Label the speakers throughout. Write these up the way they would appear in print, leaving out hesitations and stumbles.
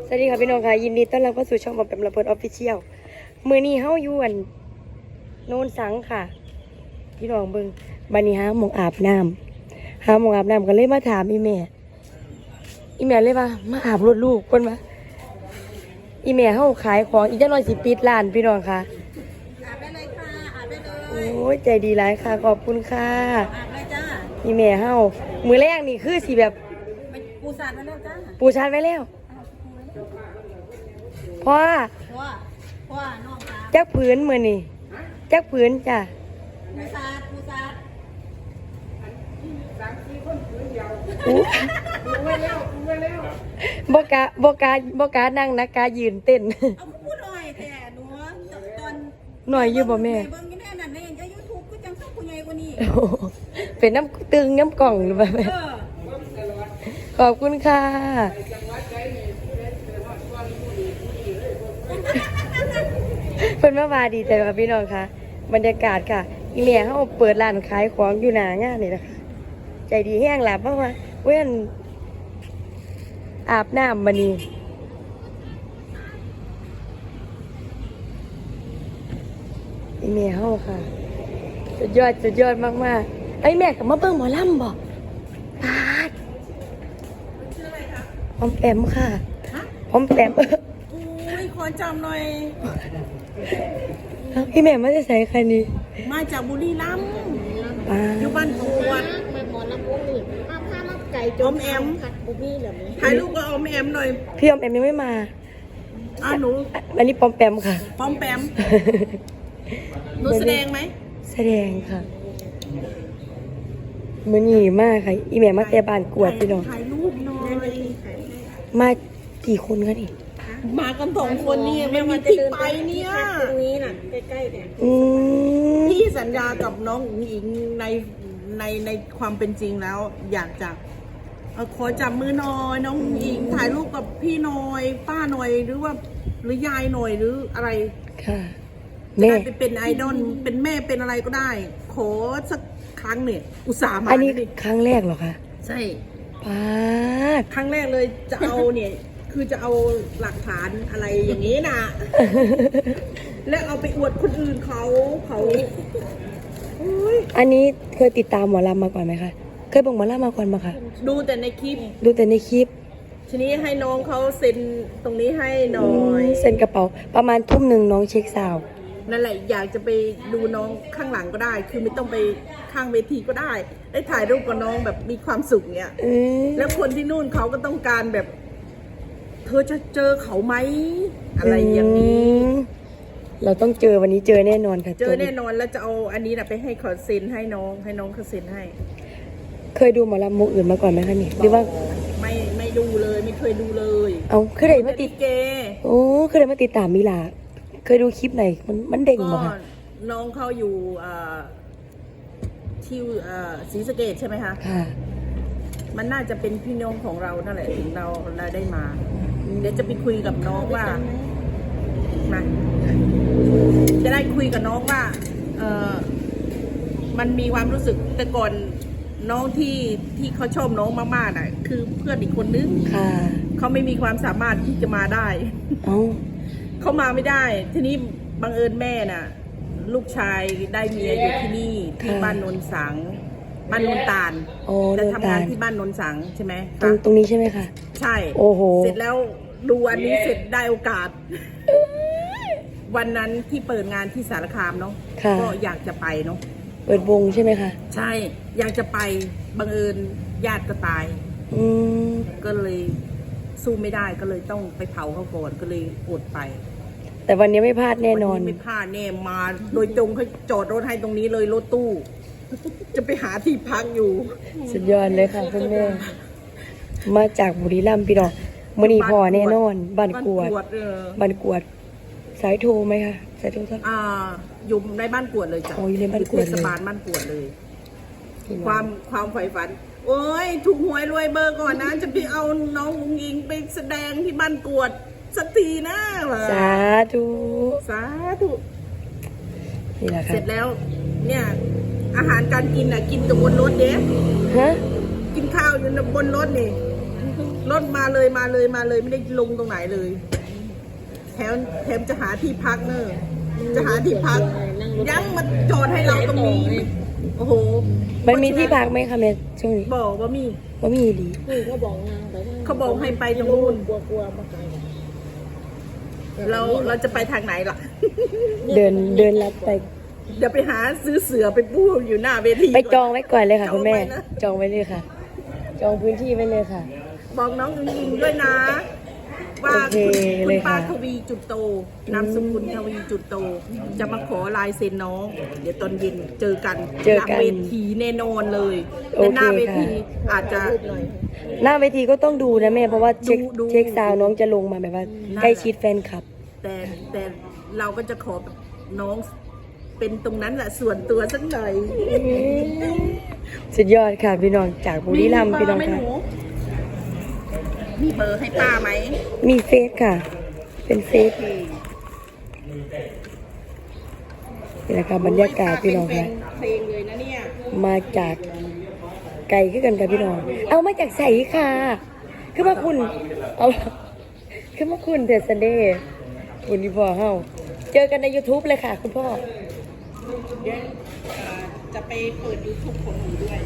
Speaker 1: สวัสดีค่ะพี่น้องค่ะยินดีต้อนรับเข้าสู่ช่องบอมแปมระเบิดออฟฟิเชียลมือนี้เฮาอยู่อันโนนสังค่ะพี่น้องเบิ่งบัดนี้หาหมองอาบน้ำกันเลยมาถามอีแม่เลยว่ามาอาบรถลูกเพิ่นว่าอีแม่เฮาขายของอีกจักหน่อยสิปิดร้านพี่น้องค่ะ
Speaker 2: อาบได้เลยค่ะอาบได้เลย
Speaker 1: โอ้ยใจดีหลายค่ะขอบคุณค่ะ
Speaker 2: อาบเลยจ้า
Speaker 1: อีแม่เฮามื้อแรกนี่คือสิแบบ
Speaker 2: ปูสาดมาแล้วจ้า
Speaker 1: ปูชาร์จไว้แล้วพ่อ
Speaker 2: ว่าน้องค่ะ
Speaker 1: จักผืนมื้อนี่จักผืนจ้ะ
Speaker 2: ปูสาด
Speaker 1: บ่กะนั่งนะกะยืนเต้น
Speaker 2: เอาพูดหน่อยแต่หนูตอน
Speaker 1: หน่อยอยู่บ่แม่
Speaker 2: เบิ่งนี่แน่นั่นในYouTube ก็จังสักผู้ใหญ่กว่านี้
Speaker 1: เป็นน้ำตึงน้ำกล่องหรือเปล่าแม่ขอบคุณค่ะเพิ่นมาว่าดีใจค่ะพี่น้องค่ะบรรยากาศค่ะอีแม่เฮาเปิดร้านขายของอยู่หน้างานนี่นะคะใจดีแห้งหลับเพราะว่าเว้นอาบน้ำมานี่อีแม่เฮาค่ะสุดยอดมากๆไอ้แม่กับมาเบิ่งหมอลำบ่ปาดพร้อมแปมค่ะพร้อมแปม
Speaker 2: อุ้ยขอจำหน่อย
Speaker 1: พี่แม่มาจะใส่ใครนี่
Speaker 2: มาจากบุรีรัมย์อยู่บ้านกวดมาหมอลำวงนี่ข้าวไก่จมแอมผัดบุบี้เหรอถ่ายรูปก็เอาแอมหน่อย
Speaker 1: พี่อมแอมยังไม่มา
Speaker 2: หนู
Speaker 1: อันนี้ปอมแปมค่ะ
Speaker 2: ปอมแปมหนูแสดงไหม
Speaker 1: แสดงค่ะมันหยีมากค่ะอีแม่มาแต่บ้านกวดพี่น้อง
Speaker 2: ถ่ายรูปหน่อย
Speaker 1: มากี่คนคะนี่
Speaker 2: มากัน2 คนนี่ไม่มีที่ไปเนี่ยตรงนี้น่ะใกล้ๆเนี่ยพี่สัญญากับน้องหญิงในความเป็นจริงแล้วอยากจะขอจับมือหน่อยน้องหญิงถ่ายรูปกับพี่หน่อยป้าหน่อยหรือยายหน่อยหรืออะไร
Speaker 1: ค่ะ
Speaker 2: แม่เป็นไอดอลเป็นแม่เป็นอะไรก็ได้ขอสักครั้งเนี่ยอุตส่าห์มา
Speaker 1: อันนี้ครั้งแรกเหรอคะ
Speaker 2: ใช่
Speaker 1: ป้า
Speaker 2: ครั้งแรกเลยจะเอาเนี่ยคือจะเอาหลักฐานอะไรอย่างนี้นะแล้วเอาไปอวดคนอื่นเขา
Speaker 1: อันนี้เคยติดตามหมอลำมาก่อนไหมคะเคยบอกหมอลำมาก่อนไหมคะ
Speaker 2: ดูแต่ในคลิปทีนี้ให้น้องเขาเซ็นตรงนี้ให้หน่อย
Speaker 1: เซ็นกระเป๋าประมาณทุ่มหนึ่งน้องเช็คซาว
Speaker 2: นั่นแหละอยากจะไปดูน้องข้างหลังก็ได้คือไม่ต้องไปข้างเวทีก็ได้ได้ถ่ายรูปกับน้องแบบมีความสุขเนี่ยแล้วคนที่นู่นเขาก็ต้องการแบบเธอจะเจอเขาไหมอะไรอย่างนี้
Speaker 1: เราต้องเจอวันนี้เจอแน่นอนค่ะ
Speaker 2: เจอแน่นอนแล้วจะเอาอันนี้นะไปให้เขาเซ็นให้น้องเขาเซ็นให้
Speaker 1: เคยดูหมอลำมุกอื่นมาก่อนไหมคะนี่หรือว่า
Speaker 2: ไม่ดูเลยไม่เคยดูเลย
Speaker 1: เอาเคยได้มาติด
Speaker 2: เก
Speaker 1: โอ้เคยได้มาติดตามมิลาเคยดูคลิปไหนมันเด้งบ่คะ
Speaker 2: น้องเขาอยู่ที่ศรีสะเกษใช่ไหมคะ
Speaker 1: ค่ะ
Speaker 2: มันน่าจะเป็นพี่น้องของเรานั่นแหละถึงเราได้มาเดี๋ยวจะไปคุยกับน้องว่ามาจะได้คุยกับน้องว่ามันมีความรู้สึกแต่ก่อนน้องที่เขาชอบน้องมากๆน่ะคือเพื่อนอีกคนนึงเขาไม่มีความสามารถที่จะมาได้เขามาไม่ได้ทีนี้บังเอิญแม่น่ะลูกชายได้เมียอยู่ที่นี่ที่บ้านนนสังบ้านนนตาลจะทำงานที่บ้านนนสังใช่ไหม
Speaker 1: ตรงนี้ใช่ไหมคะ
Speaker 2: ใช่
Speaker 1: โอ้โห
Speaker 2: เสร็จแล้วดูอันนี้เสร็จได้โอกาสวันนั้นที่เปิดงานที่สารคามเนาะก็อยากจะไปเนาะ
Speaker 1: เปิดวงใช่ไหมคะ
Speaker 2: ใช่อยากจะไปบังเอิญญาติก็ตายก็เลยสู้ไม่ได้ก็เลยต้องไปเผาเขาก่อนก็เลยอดไป
Speaker 1: แต่วันนี้ไม่พลาดแน่นอน
Speaker 2: ไม่พลาดแน่มาโดยตรงเขาจอดรถให้ตรงนี้เลยรถตู้จะไปหาที่พักอยู่
Speaker 1: สุดยอดเลยค่ะคุณแม่มาจากบุรีรัมย์พี่น้องมื้อนี้พอแน่นอนบ้านกวดสายโทรไหมคะสายโทรทัศน์
Speaker 2: อยู่ในบ้านกวดเลยจ้ะ
Speaker 1: อยู่ในบ้านกวดเลย
Speaker 2: เทศบาลบ้านกวดเลยความใฝ่ฝันโอ้ยถูกหวยรวยเบอร์ก่อนนะจะไปเอาน้องอุ๋งอิงไปแสดงที่บ้านกวดสักทีนะ
Speaker 1: สาธุ
Speaker 2: นี่แหละค่ะเสร็จแล้วเนี่ยอาหารการกินกินแต่บนรถเด้กินข้าวอยู่บนรถนี่รถมาเลยไม่ได้ลงตรงไหนเลยแถมจะหาที่พักเนอะจะหาที่พักยังมาจอดให้เราตรงนี้โอ้โห
Speaker 1: มันมีที่พักไหมคะแม่ช่วงนี้
Speaker 2: บอกว่ามี
Speaker 1: ว่ามีดี
Speaker 3: เขาบอกนางไป
Speaker 2: เขาบอกให้ไปตรงนู้น
Speaker 3: กลัวมาไกล
Speaker 2: เราจะไปทางไหนล่ะ
Speaker 1: เดินลัดไป
Speaker 2: เดี๋ยวไปหาซื้อเสือไปปูอยู่หน้าเวที
Speaker 1: ไปจองไว้ก่อนเลยค่ะคุณแม่
Speaker 2: จองไว้นะ
Speaker 1: จองไว้เลยค่ะ จองพื้นที่ไว้เลยค่ะ
Speaker 2: บอกน้องยิงด้วยนะ ว่า
Speaker 1: โอเค
Speaker 2: คุ
Speaker 1: เล
Speaker 2: ณ
Speaker 1: ย
Speaker 2: ป้า
Speaker 1: ค่ะ
Speaker 2: ทวีจุดโตนามสกุลทวีจุดโต จะมาขอลายเซ็นน้อง เดี๋ยวตอนเย็นเจอกัน
Speaker 1: เจอ
Speaker 2: หลัง
Speaker 1: กัน
Speaker 2: เวทีแน่นอนเลย
Speaker 1: โอ
Speaker 2: แต่
Speaker 1: เค
Speaker 2: หน้าเว
Speaker 1: ค่ะ
Speaker 2: ทีอาจจะ
Speaker 1: หน้าเวทีก็ต้องดูนะแม่ เพราะว่าเช็ค
Speaker 2: ดู
Speaker 1: เช็คซาวน์น้องจะลงมาแบบว่า
Speaker 2: นั่นแหละ
Speaker 1: ใกล้ชิดแฟนคลับ
Speaker 2: แต่เราก็จะขอแบบน้องเป็นตรงนั้นแหละส่วนตัวสักหน่อย
Speaker 1: สุดยอดค่ะพี่น้องจากบุรีรัมย์พี่น้อง
Speaker 2: มีเบ
Speaker 1: ค่ะ
Speaker 2: ร์ไหมหนูมีเบอร์ให้ป้าไหม
Speaker 1: มีเฟซค่ะ เป็นเฟซนี่แหละค่ะบรรยากาศพี่น้องค่ะ
Speaker 2: เพลงเลยนะเนี่ย
Speaker 1: มาจากไกลขึ้นกันค่ะพี่น้อง เอามาจากใสค่ะคือมาคุณ เอาคือมาคุณเดอะซันเดย์คุณพี่พ่อเฮาเจอกันใน YouTube เลยค่ะ คุณพ่อ
Speaker 2: เดี๋ยวจะไปเปิด YouTube ของหนูด้วย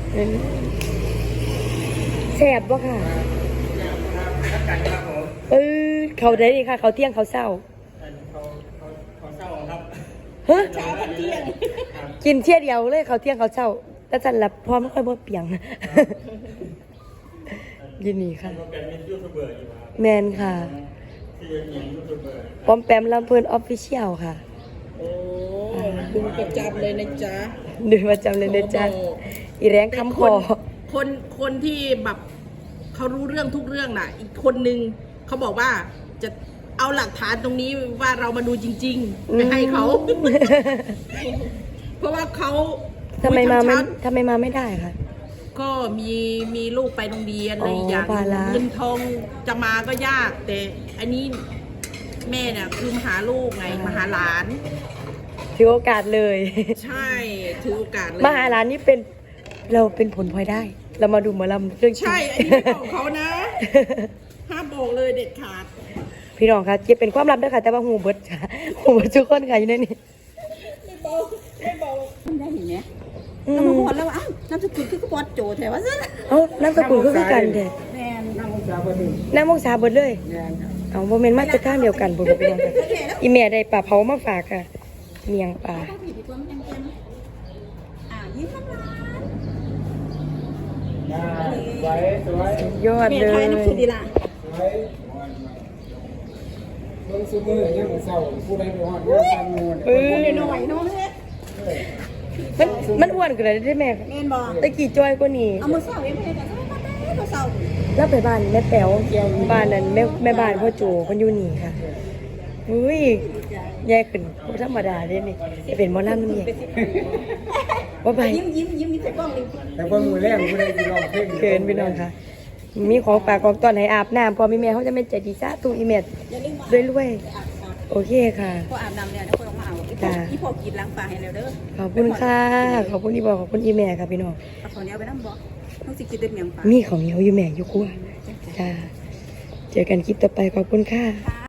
Speaker 1: แสบปะค่ะเขาได้ดีค่ะ เขาเที่ยงเขาเศร้าฮะ
Speaker 2: เช้าพันเที่ยง
Speaker 1: กินเที่ยเดียวเลยเขาเที่ยงเขาเศร้าแต่จันหลับพร้อมไม่ค่อยบ่เปียง ยินดีค่ะ แมนค่ะปอมแปมลำเพลินออฟฟิเชียลค่ะ
Speaker 2: โอ้ดูประจำเลยนะจ๊ะ
Speaker 1: ดูประจำเลยนะจ๊ะอีแรงคำคอ
Speaker 2: คนที่แบบเขารู้เรื่องทุกเรื่องน่ะ อีกคนนึงเขาบอกว่าจะเอาหลักฐานตรงนี้ว่าเรามาดูจริงๆไปให้เขา เพราะว่าเขา
Speaker 1: ทำไมมาไม่
Speaker 2: ชัด
Speaker 1: ทำไมมาไม่ได้ค่ะ
Speaker 2: ๆก็มีลูกไปโรงเรียนอะไรอย่าง
Speaker 1: ภาระ
Speaker 2: เงินทองจะมาก็ยาก แต่อันนี้แม่เนี่ยคือมาหาลูกไงมาหาหลาน
Speaker 1: ถือโอกาสเลย
Speaker 2: ใช่ถือโอกาสเลย
Speaker 1: มหาลานนี่เป็นเราเป็นผลพลอยได้ เรามาดูหมอลำเรื่องจริง
Speaker 2: ใช่ อันนี้ไม่บอกเขานะ ห้ามบอกเลยเด็ดขาด
Speaker 1: พี่น้องคะเก็บเป็นความลับด้วยค่ะ แต่ว่าหูเบิดค่ะหูเบิดทุกคนค่ะอยู่ในนี้
Speaker 2: ไม่บอกไม่บอก
Speaker 3: ได้เห็นไหม
Speaker 1: อื
Speaker 3: เรามาม บอกแล้วว่าอ้าวน้ำสกุลคือกระปอดโจแถวว่าซะ
Speaker 1: เอ้าน้ำสกุลก็คือกันเด็ด
Speaker 3: แม่น
Speaker 1: น้ำมงสาเบิดเลย
Speaker 3: แม่นครับ
Speaker 1: เอาโมเมนต์มาจากข้างเดียวกันบุญพี่น้องค่ะอีเมียได้ปลาเผามาฝากค่ะ เมียงปลา
Speaker 3: ต้องผิดตัวมันยังเต็มยิ้มน้ำลาย
Speaker 1: ยอด
Speaker 3: แม่
Speaker 1: เล
Speaker 3: ไทย
Speaker 1: ย
Speaker 3: น้ำสุดดีล่ะ
Speaker 4: เบิ่งซุมื้อยังมื้อเช้าผู้ใดบ่ฮอดงานทำงูน
Speaker 3: หน่อยๆเนาะเฮ้ย
Speaker 1: มันอ้วนกันเลยได้ไหม
Speaker 3: แม่นบอก
Speaker 1: ตะกี้จ้อยกว่านี้
Speaker 3: เอามือเสาเองไม่ได้แต่ไม่มาได้มือเสา
Speaker 1: แล้วไปบ้านแม่แป๋วบ้านนั้นแม่บ้านพ่อโจคนอยู่นี่ค่ะอุ้ยแย่ขึ้นบ่ธรรมดาเด้นี่จะเป็นหมอลำนี่ว่าไป
Speaker 3: ยิ้มใส่กล้องเลย
Speaker 4: แต่เบิ่งมื้อแรกผู้ใดสิร้องเพลง
Speaker 1: เกินพี่น้องค่ะ มีของฝากของตอนให้อาบน้ำพอมีแม่เขาจะไม่ใจดีซะตูอีเมด
Speaker 3: อย่าลืมมา
Speaker 1: ด้วยรวย
Speaker 3: อาบน้ำ
Speaker 1: โอเคค่ะ
Speaker 3: พออาบน้ำเนี่ยนะคนออกมาเอาอีพอกินล้างปลาให้แล้วเด้อ
Speaker 1: ขอบคุณค่ะ ขอบคุณที่บอกขอบคุณอีแม่ค่ะพี่น้อง
Speaker 3: เอาของนี้เอาไปน้ำบ่ต้องสิกินเต็มเมียงปลา
Speaker 1: มีของเหนียวอยู่แม่อยู่ครัวจ้าเจอกันคลิปต่อไปขอบคุณค่ะ